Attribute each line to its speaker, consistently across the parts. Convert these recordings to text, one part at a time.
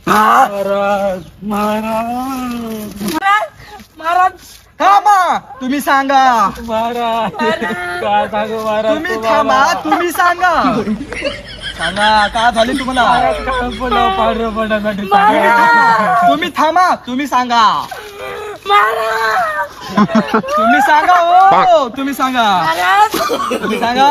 Speaker 1: महाराज महाराज
Speaker 2: महाराज
Speaker 3: थांबा, तुम्ही सांगा.
Speaker 1: महाराज काय सांगू महाराज
Speaker 3: तुम्ही थांबा, तुम्ही सांगा. सांगा काय झाले तुम्हाला.
Speaker 1: पांढरं पडण्यासाठी सांगा.
Speaker 3: तुम्ही थांबा, तुम्ही सांगा.
Speaker 2: महाराज
Speaker 3: तुम्ही सांगा. हो तुम्ही सांगा. तुम्ही सांगा.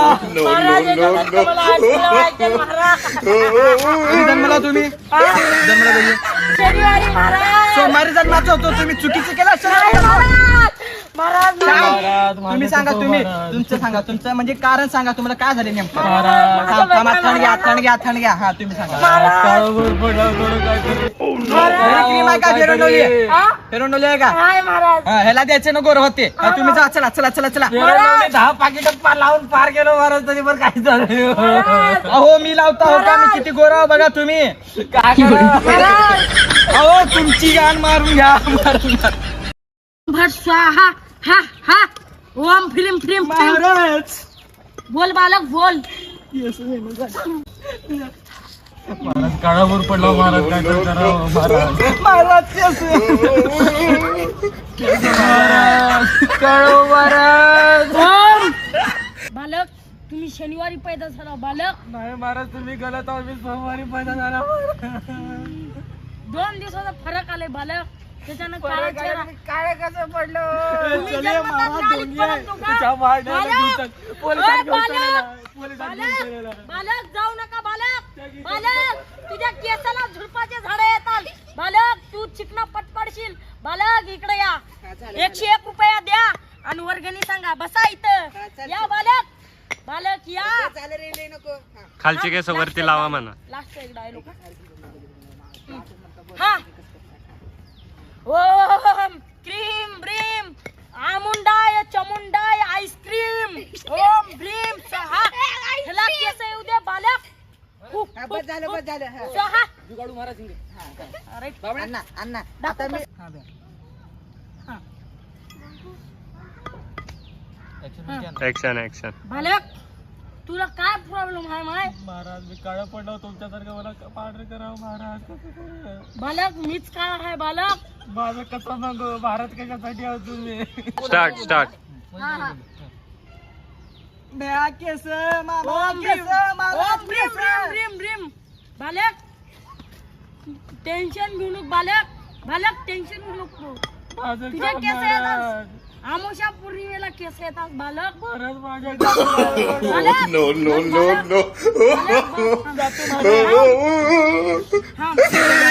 Speaker 3: कधी जन्मला तुम्ही. जन्मला कधी.
Speaker 2: शनिवारी महाराज
Speaker 3: सोमवारी जन्माचं होतो. तुम्ही चुकीचं केलं असेल.
Speaker 2: महाराज
Speaker 3: तुम्ही सांगा. तुम्ही तुमचं सांगा. तुमचं म्हणजे कारण सांगा. तुम्हाला काय झाले नेमकं.
Speaker 1: महाराज.
Speaker 3: थांबा, थंड घ्या, थंड घ्या, थंड घ्या. हा तुम्ही सांगा.
Speaker 1: काळावर पडला थोडं काय तरी.
Speaker 3: क्रीम आहे का फेरंडोली फेरंडोली आहे का.
Speaker 2: काय महाराज
Speaker 3: हा, ह्याला द्यायचे नको होते. तुम्ही जा. चला चला चला चला.
Speaker 1: फेरंडोली 10 पाकिट लावून पार गेलो महाराज तरी पण काही झालं.
Speaker 3: अहो मी लावता हो का. मी किती गोरा हो बघा तुम्ही.
Speaker 1: काय करा.
Speaker 3: अहो तुमची गाण मारून घ्या. मारून घ्या.
Speaker 2: भट स्वाहा हा हा ओम फिल्म फिल्म
Speaker 3: महाराज.
Speaker 2: बोल बालक बोल
Speaker 1: महाराज काळावर पडला महाराज काय करावं महाराज.
Speaker 3: महाराज कळो महाराज.
Speaker 2: ओम बालक तुम्ही शनिवारी पैदा झाला बालक.
Speaker 1: नाही महाराज तुम्ही गलत आहोत. मी सोमवारी पैदा झाला.
Speaker 2: 2 दिवसाचा फरक आलाय बालक. त्याच्यानं काळा चेहरा
Speaker 1: काय कसं पडलं.
Speaker 2: तुम्ही जन्मताच नालीत पडत होता.
Speaker 1: तुझ्या मारण्याला
Speaker 2: बालक!
Speaker 1: दिवसात पोलिसात घेऊन
Speaker 2: बालक!
Speaker 1: चाललेला. पोलिसात घेऊन
Speaker 2: बालक
Speaker 1: चाललेला.
Speaker 2: बालक जाऊ नका बालक. बालक तुझ्या केसाला झुडपाचे झाडे येतात. बालक तू चिकना पटपडशील. बालक इकडे या. 101 रुपया द्या आणि वर्गणी सांगा. बसा इथं या बालक. बालक या.
Speaker 4: खालची केस वरती लावा म्हणा.
Speaker 2: लास्ट एक डायलॉग हा. ओम क्रीम ब्रीम आमुंडाय चमुंडाय आईस्क्रीम ओम भ्रीम स्वाहा. ह्याला केस येऊ दे बालक.
Speaker 3: बस झालं.
Speaker 2: स्वाहा.
Speaker 1: जुगाडू महाराज इंगे.
Speaker 2: अरे
Speaker 3: अण्णा अण्णा आता मी
Speaker 4: ऍक्शन ऍक्शन.
Speaker 2: बालक तुला काय प्रॉब्लेम आहे माय.
Speaker 1: महाराज मी काळा पडलो तुमच्यासारखं मला पांढरं करावं महाराज. कसं करू.
Speaker 2: बालक मीच काय आहे बालक.
Speaker 1: माझं कसं सांगू महाराज कशासाठी आहोत तुम्ही.
Speaker 4: Start start.
Speaker 2: हा हा
Speaker 3: द्या केस मामा
Speaker 2: ओम
Speaker 3: केस मामा
Speaker 2: ओम भ्रीम भ्रीम भ्रीम भ्रीम. बालक टेन्शन घेऊ नको बालक. बालक टेन्शन घेऊ नको.
Speaker 1: माझं
Speaker 2: तुझे
Speaker 1: काम
Speaker 2: केस
Speaker 1: महाराज.
Speaker 2: येतात. आमोशा पौर्णिमेला केस येतात बालक.
Speaker 1: महाराज माझ्या
Speaker 2: बालक
Speaker 4: नो नो नो नो.
Speaker 2: बालक, बस, थांब. हा.